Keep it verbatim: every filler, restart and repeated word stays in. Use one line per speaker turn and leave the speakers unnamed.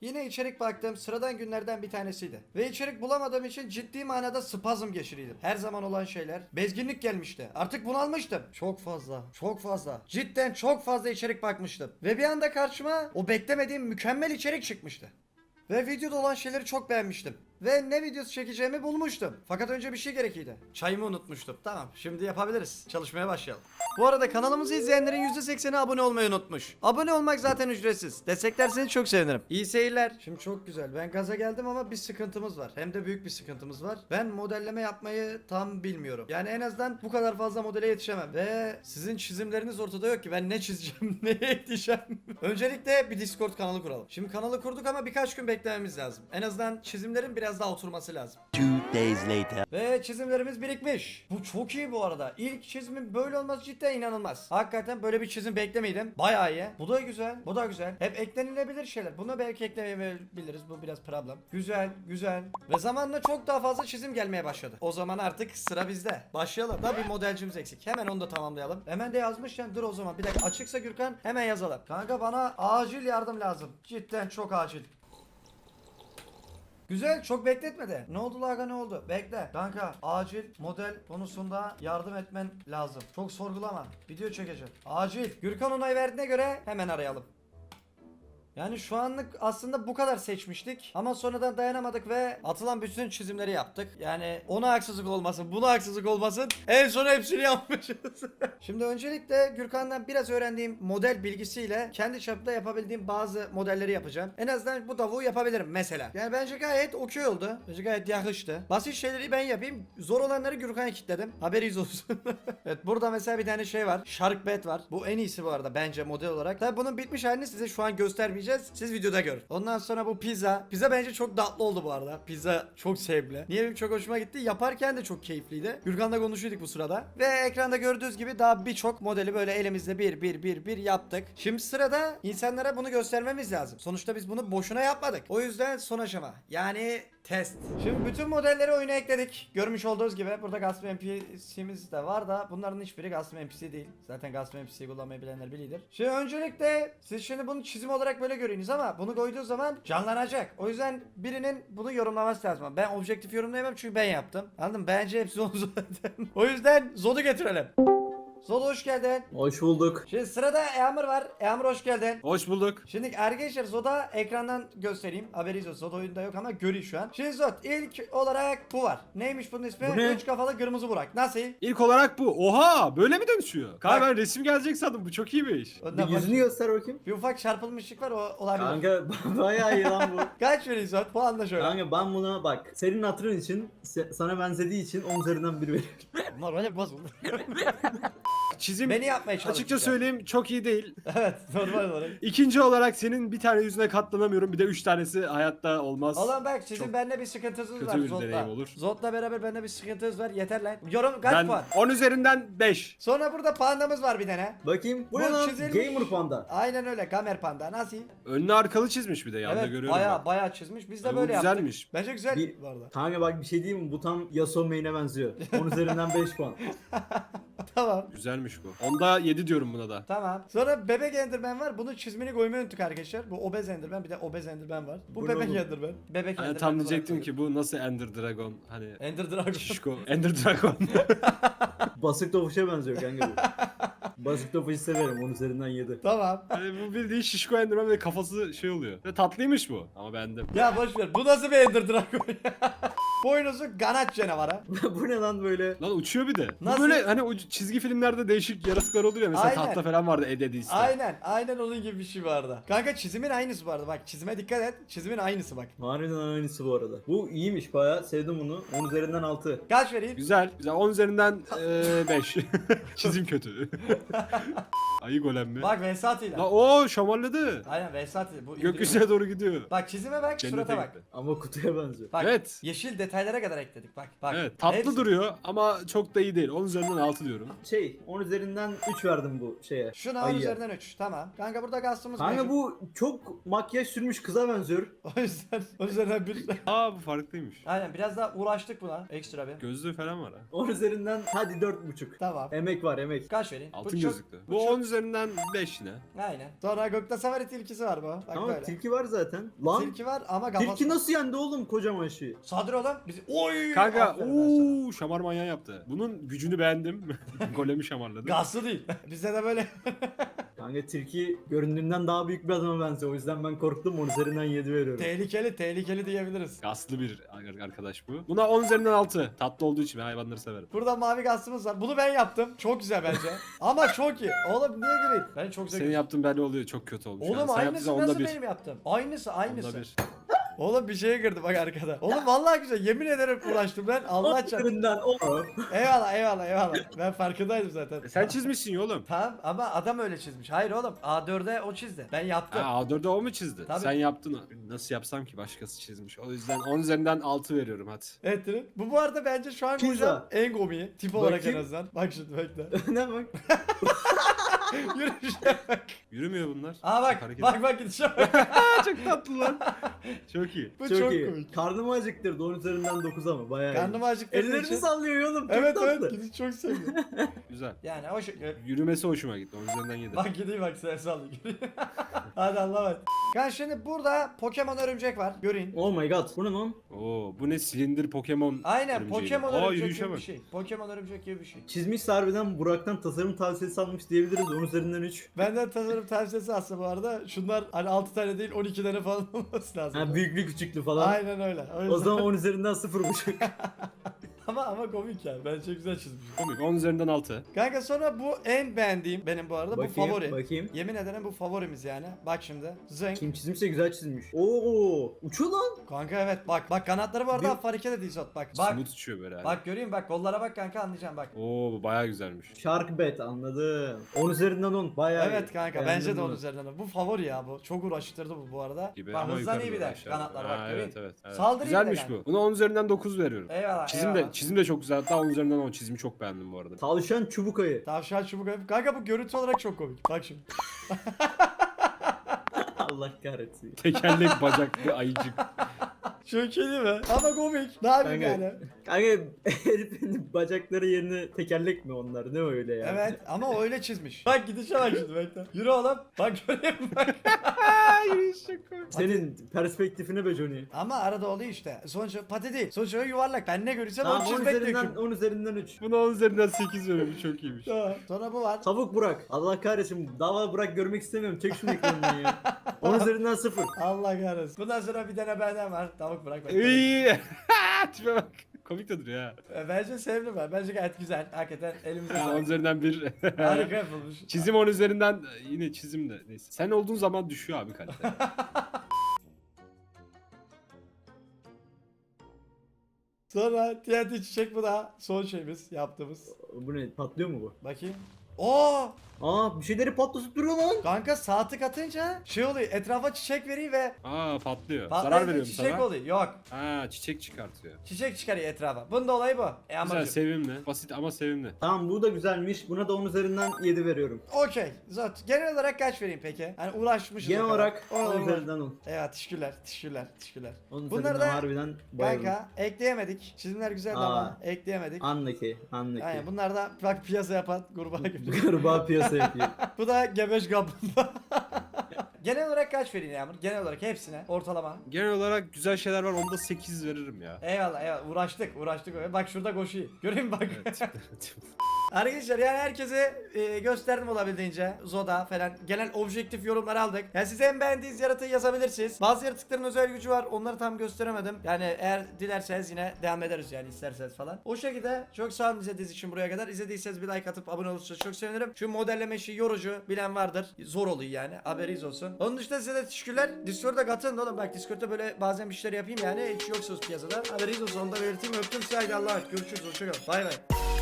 Yine içerik baktığım sıradan günlerden bir tanesiydi. Ve içerik bulamadığım için ciddi manada spazm geçiriydim. Her zaman olan şeyler. Bezginlik gelmişti. Artık bunalmıştım. Çok fazla. Çok fazla. Cidden çok fazla içerik bakmıştım. Ve bir anda karşıma o beklemediğim mükemmel içerik çıkmıştı. Ve videoda olan şeyleri çok beğenmiştim. Ve ne videosu çekeceğimi bulmuştum. Fakat önce bir şey gerekiydi. Çayımı unutmuştum. Tamam, şimdi yapabiliriz. Çalışmaya başlayalım. Bu arada kanalımızı izleyenlerin yüzde sekseni abone olmayı unutmuş. Abone olmak zaten ücretsiz. Desteklerseniz çok sevinirim. İyi seyirler. Şimdi çok güzel. Ben gaza geldim ama bir sıkıntımız var. Hem de büyük bir sıkıntımız var. Ben modelleme yapmayı tam bilmiyorum. Yani en azından bu kadar fazla modele yetişemem. Ve sizin çizimleriniz ortada yok ki. Ben ne çizeceğim, neye yetişeceğim. Öncelikle bir Discord kanalı kuralım. Şimdi kanalı kurduk ama birkaç gün beklememiz lazım. En azından çizimlerin biraz daha oturması lazım.
Two days later.
Ve çizimlerimiz birikmiş. Bu çok iyi bu arada. İlk çizimin böyle olması cidden inanılmaz. Hakikaten böyle bir çizim beklemiyordum. Bayağı iyi. Bu da güzel. Bu da güzel. Hep eklenilebilir şeyler. Bunu belki eklemeyebiliriz. Bu biraz problem. Güzel, güzel. Ve zamanla çok daha fazla çizim gelmeye başladı. O zaman artık sıra bizde. Başlayalım. Da bir modelcimiz eksik. Hemen onu da tamamlayalım. Hemen de yazmışken dur o zaman. Bir dakika açıksa Gürkan hemen yazalım. Kanka bana acil yardım lazım. Cidden çok acil. Güzel, çok bekletmedi. Ne oldu Laga, ne oldu? Bekle. Kanka acil model konusunda yardım etmen lazım. Çok sorgulama. Video çekeceğim. Acil. Gürkan onay verdiğine göre hemen arayalım. Yani şu anlık aslında bu kadar seçmiştik ama sonradan dayanamadık ve atılan bütün çizimleri yaptık. Yani ona haksızlık olmasın, buna haksızlık olmasın. En son hepsini yapmışız. Şimdi öncelikle Gürkan'dan biraz öğrendiğim model bilgisiyle kendi çapımda yapabildiğim bazı modelleri yapacağım. En azından bu tavuğu yapabilirim mesela. Yani bence gayet okey oldu. Bence gayet yakıştı. Basit şeyleri ben yapayım. Zor olanları Gürkan'a kilitledim. Haberiniz olsun. Evet, burada mesela bir tane şey var. Shark Bait var. Bu en iyisi bu arada bence model olarak. Tabii bunun bitmiş halini size şu an göstermeyeceğim. Siz videoda görün. Ondan sonra bu pizza. Pizza bence çok tatlı oldu bu arada. Pizza çok sevimli. Niye benim çok hoşuma gitti? Yaparken de çok keyifliydi. Gürkan'la konuşuyorduk bu sırada. Ve ekranda gördüğünüz gibi daha birçok modeli böyle elimizde bir bir bir bir yaptık. Şimdi sırada insanlara bunu göstermemiz lazım. Sonuçta biz bunu boşuna yapmadık. O yüzden son aşama. Yani test. Şimdi bütün modelleri oyuna ekledik. Görmüş olduğunuz gibi burada Gasp N P C'miz de var da bunların hiçbiri Gasp N P C değil. Zaten Gasp N P C'yi kullanmayı bilenler bilir. Şimdi öncelikle siz şimdi bunu çizim olarak böyle görüyorsunuz ama bunu koyduğu zaman canlanacak. O yüzden birinin bunu yorumlaması lazım. Ben objektif yorumlayamam çünkü ben yaptım. Anladın mı? Bence hepsi onu zaten. O yüzden Zod'u getirelim. Zod hoş geldin.
Hoş bulduk.
Şimdi sırada Eamur var. Eamur hoş geldin.
Hoş bulduk.
Şimdi arkadaşlar Zod'a ekrandan göstereyim. Haberiniz olsun. Zod oyunda yok ama görüyor şu an. Şimdi Zod ilk olarak bu var. Neymiş bunun ismi?
Bu ne?
Üç kafalı kırmızı Burak. Nasıl?
İlk olarak bu. Oha, böyle mi dönüşüyor? Kanka
Bak.
ben resim gelecek sandım. Bu çok iyiymiş.
Ondan
Bir yüzünü
bak-
göster bakayım.
Bir ufak çarpılmışlık var, o olabilir.
Kanka bayağı iyi lan bu.
Kaç veriyorsun Zod? Puan da şöyle.
Kanka ben buna bak senin hatırın için se- sana benzediği için on üzerinden bir veriyorum.
Normal bozuldu.
Çizim
Beni yapmaya çalışacak.
açıkça söyleyeyim çok iyi değil.
Evet, normal olarak.
İkinci olarak senin bir tane yüzüne katlanamıyorum. Bir de üç tanesi hayatta olmaz.
Oğlum bak sizin
Çok
bende bir sıkıntınız
kötü
var
bir deneyim
Zod'la.
olur.
Zod'la beraber bende bir sıkıntınız var. Yeter lan. Yorum kaç
Ben
puan?
on üzerinden beş.
Sonra burada pandamız var bir tane.
Bakayım. Bu ne
Bu
lan?
çizilmiş.
Gamer Panda.
Aynen öyle, Gamer Panda. Nasıl?
Önlü arkalı çizmiş bir de yanında
Evet,
görüyorum.
baya
ben.
baya çizmiş. Biz de
Abi bu
böyle yaptık.
güzelmiş.
Bence güzel
Bir-
bu arada.
Kanka bak bir şey diyeyim mi? Bu tam Yasuo main'e benziyor. on üzerinden beş puan.
Tamam.
Güzelmiş bu. Onda yedi diyorum buna da.
Tamam. Sonra bebek Enderman var. Bunun çizimini koymayı unuttuk arkadaşlar. Bu obez Enderman, bir de obez Enderman var. Bu,
Bu ne
bebek
oğlum?
Enderman. Bebek
Hani
Enderman.
tam
olarak
diyecektim
koyduk.
ki bu nasıl Ender Dragon? Hani
Ender Dragon.
şişko. Ender Dragon.
Basık topuşa benziyor kanka bu. Basık topuşu severim on üzerinden yedi.
Tamam.
Hani bu bildiğin şişko Enderman ve kafası şey oluyor. Ve tatlıymış bu. Ama beğendim.
Ya boş ver. Bu nasıl bir Ender Dragon ya? Boynuzu ganat canavarı.
Bu ne lan böyle?
Lan uçuyor bir de.
Nasıl?
Bu böyle hani o çizgi filmlerde değişik yaratıklar oluyor ya. Mesela
Aynen.
tahta falan vardı Ed Edis'te.
Aynen. Aynen onun gibi bir şey vardı. Kanka çizimin aynısı bu arada. Bak çizime dikkat et. Çizimin aynısı bak.
Harbiden aynısı bu arada. Bu iyiymiş bayağı sevdim bunu. on üzerinden altı.
Kaç vereyim?
Güzel. Güzel. on üzerinden beş. Çizim kötü. Ayı golem mi?
Bak Vesati'yle.
La o şamarladı.
Aynen Vesati. Bu
Gökyüzüne doğru gidiyor.
Bak çizime bak,
Cennete
surata bak.
gitti.
Ama kutuya benziyor.
Bak
Evet.
yeşil detay detaylara kadar ekledik bak. Bak.
Evet tatlı
Hepsi-
duruyor ama çok da iyi değil. On üzerinden altı diyorum.
Şey on üzerinden üç verdim bu şeye.
Şuna on
Ayıya.
üzerinden üç. Tamam. Kanka burada gastımız
Kanka
mevcut.
bu çok makyaj sürmüş kıza benziyor.
O yüzden o üzerinden bir.
Aa bu farklıymış.
Aynen biraz daha uğraştık buna. Ekstra bir.
Gözlüğü falan var ha.
on üzerinden hadi dört buçuk.
Tamam.
Emek var emek.
Kaç vereyim?
Altın
çok-
gözlüklü.
bu
Bu
çok-
on üzerinden beş yine.
Aynen. Sonra Gökte Safari tilkisi var bu. Bak
Ama
böyle.
tilki var zaten. Lan
Tilki var ama kafası.
tilki nasıl yendi oğlum kocaman şeyi?
Sadır oğlum. Bizi... Oy!
Kanka
Aferin ben sana.
ooo şamar manyağı yaptı. Bunun gücünü beğendim. Golemi şamarladı.
Gaslı değil. Bizde de böyle.
Kanka tilki göründüğünden daha büyük bir adama benziyor. O yüzden ben korktum on üzerinden yedi veriyorum.
tehlikeli tehlikeli diyebiliriz.
Gaslı bir ar- arkadaş bu. Buna on üzerinden altı. Tatlı olduğu için ben hayvanları severim.
Burada mavi gastımız var. Bunu ben yaptım. Çok güzel bence. Ama çok iyi. Oğlum niye gireyim? Ben çok
Senin
zevkli.
yaptığın belli oluyor. Çok kötü olmuş.
Oğlum
yani. Sen
aynısı
yaptıysan
nasıl
onda bir.
benim yaptım? Aynısı aynısı.
Onda bir.
Oğlum bir şeye girdi bak arkada. Oğlum vallahi güzel. Yemin ederim uğraştım ben. Allah
On
çarpsın.
üzerinden o.
Eyvallah eyvallah eyvallah. Ben farkındaydım zaten.
E sen çizmişsin ya oğlum.
Tamam ama adam öyle çizmiş. Hayır oğlum A dörde o çizdi. Ben yaptım.
Ha, A dörde o mu çizdi?
Tabii.
Sen yaptın. Nasıl yapsam ki başkası çizmiş. O yüzden on üzerinden altı veriyorum hadi.
Evet Trin. Bu bu arada bence şu an
Pizza.
koyacağım en komiği. Tip olarak en
Bakayım.
azından. Bak şimdi bekle.
Ne bak.
Yürüyüşe bak.
Yürümüyor bunlar.
Aa bak
Hareket-
bak bak gidişe bak.
Çok tatlı lan. Çok iyi.
Bu
Çok,
çok,
iyi.
komik.
Karnımı acıktırdı on üzerinden dokuz ama bayağı iyi.
Karnım acıktı.
Ellerini sallıyor oğlum. Çok
Evet
tatlı.
evet gidiş çok sevdim.
Güzel.
Yani o şey.
Yürümesi hoşuma gitti. On üzerinden yedi.
Bak gideyim bak sen sallı. Hadi Allah'a emanet. Yani şimdi burada Pokemon örümcek var. Görün.
Oh my god. Bu ne lan?
Oo bu ne silindir Pokemon.
Aynen
örümceği.
Pokemon
Aa,
örümcek
yürüyüşe
gibi bir
bak.
şey. Pokemon örümcek gibi bir şey.
Çizmiş harbiden Burak'tan tasarım tavsiyesi almış diyebiliriz. on üzerinden üç.
Benden tasarım tavsiyesi aslında bu arada. Şunlar hani altı tane değil on iki tane falan olması lazım.
Ha büyüklü küçüklü falan.
Aynen öyle. O,
O
yüzden...
zaman on üzerinden sıfır buçuk.
ama ama komik yani. Bence güzel çizmiş.
Komik. on üzerinden altı.
Kanka sonra bu en beğendiğim benim bu arada. Bu
Bakayım,
favori.
bakayım.
Yemin ederim bu favorimiz yani. Bak şimdi. Zeng.
Kim çizmişse güzel çizmiş. Oo, uçuyor lan.
Kanka evet bak. Bak kanatları bu arada
Bir-
hafif hareket ediyor Zot. Bak. Bak.
Smooth uçuyor böyle. hani.
Bak göreyim bak. Kollara bak kanka anlayacaksın bak.
Oo bu bayağı güzelmiş.
Shark bet anladım. on üzerinden on. Bayağı
Evet
iyi.
kanka
Beğendim
bence de
bunu.
onun üzerinden. Bu favori ya bu. Çok uğraştırdı bu bu arada.
Gibi
Bak
ama
hızlan
yukarı
iyi bir
doğru
de.
aşağı
Kanatlar
doğru.
bak
Ha,
göreyim.
evet evet. evet.
Saldırı
Güzelmiş
iyi de
bu. Buna on üzerinden dokuz veriyorum.
Eyvallah
Çizim de
eyvallah.
çizim de çok güzel. Hatta on üzerinden on çizimi çok beğendim bu arada.
Tavşan çubuk ayı.
Tavşan çubuk ayı. Kanka bu görüntü olarak çok komik. Bak şimdi.
Allah kahretsin.
Tekerlek bacaklı ayıcık.
Çok iyi değil mi? Ama komik. Ne yapayım
Kanka,
yani?
kanka herifin bacakları yerine tekerlek mi onlar? Ne öyle ya?
Evet ama o öyle çizmiş. Bak gidişe bak şimdi bekle. Yürü oğlum. Bak göreyim bak.
Senin perspektifine be Johnny.
Ama arada oluyor işte. Sonuçta pati değil. Sonuçta yuvarlak. Ben ne görürsem
Tamam
onu
on
çizmek
üzerinden,
diyorum.
on üzerinden üç.
Buna on üzerinden sekiz veriyorum. Çok iyiymiş.
Tamam. Sonra bu var.
Tavuk Burak. Allah kahretsin. Dava Burak görmek istemiyorum. Çek şunu ekranından ya. on üzerinden sıfır.
Allah kahretsin. Bundan sonra bir tane benden var. Tavuk bırak. bak.
İyi. Tipe bak. Komik de duruyor ha.
E, Bence sevdim ben. Bence gayet güzel. Hakikaten elimize
Ha, on
sağlık.
üzerinden bir.
Harika yapılmış.
Çizim on üzerinden yine çizim de neyse. Sen olduğun zaman düşüyor abi kalite.
Sonra T N T çiçek bu da son şeyimiz yaptığımız.
Bu ne? Patlıyor mu bu?
Bakayım. Oo!
Aa bir şeyleri patlatıp duruyor lan.
Kanka sağ tık atınca şey oluyor. Etrafa çiçek veriyor ve
Aa patlıyor. Zarar
patlayınca
veriyorum
çiçek
sana.
oluyor. Yok.
Ha çiçek çıkartıyor.
Çiçek çıkarıyor etrafa. Bunun da olayı bu. E
Güzel
amacım.
sevimli. Basit ama sevimli.
Tamam bu da güzelmiş. Buna da on üzerinden yedi veriyorum.
Okey. Zot. Genel olarak kaç vereyim peki? Hani uğraşmışız.
Genel
o kadar.
olarak
O-
on
o-
üzerinden on.
Evet teşekkürler. Teşekkürler. Teşekkürler.
on
Bunları
üzerinden
da
harbiden bayıldım.
kanka ekleyemedik. Çizimler güzeldi
Aa.
ama ekleyemedik.
Anlaki, anlaki.
Aynen bunlar da bak piyasa yapan kurbağa gibi.
Gariba piyasa yapıyor.
Bu da gebeş kaplumbağa. Genel olarak kaç vereyim Yağmur? Genel olarak hepsine ortalama.
Genel olarak güzel şeyler var. Onda sekiz veririm ya.
Eyvallah eyvallah uğraştık uğraştık. Bak şurada koşuyor. Göreyim bak.
Evet.
Arkadaşlar yani herkese e, gösterdim olabildiğince Zoda falan gelen objektif yorumlar aldık. Yani size en beğendiğiniz yaratığı yazabilirsiniz. Bazı yaratıkların özel gücü var. Onları tam gösteremedim. Yani eğer dilerseniz yine devam ederiz yani isterseniz falan. O şekilde çok sağ olun izlediğiniz için buraya kadar. İzlediyseniz bir like atıp abone olursanız çok sevinirim. Şu modelleme işi yorucu bilen vardır. Zor oluyor yani. Haberiniz olsun. Onun dışında size de teşekkürler. Discord'a katılın oğlum. Bak Discord'da böyle bazen bir şeyler yapayım yani. Hiç yoksunuz piyasada. Haberiniz olsun. Onu da belirteyim. Öptüm size. Haydi Allah'a emanet. Görüşürüz. Hoşçakalın. Bay bay.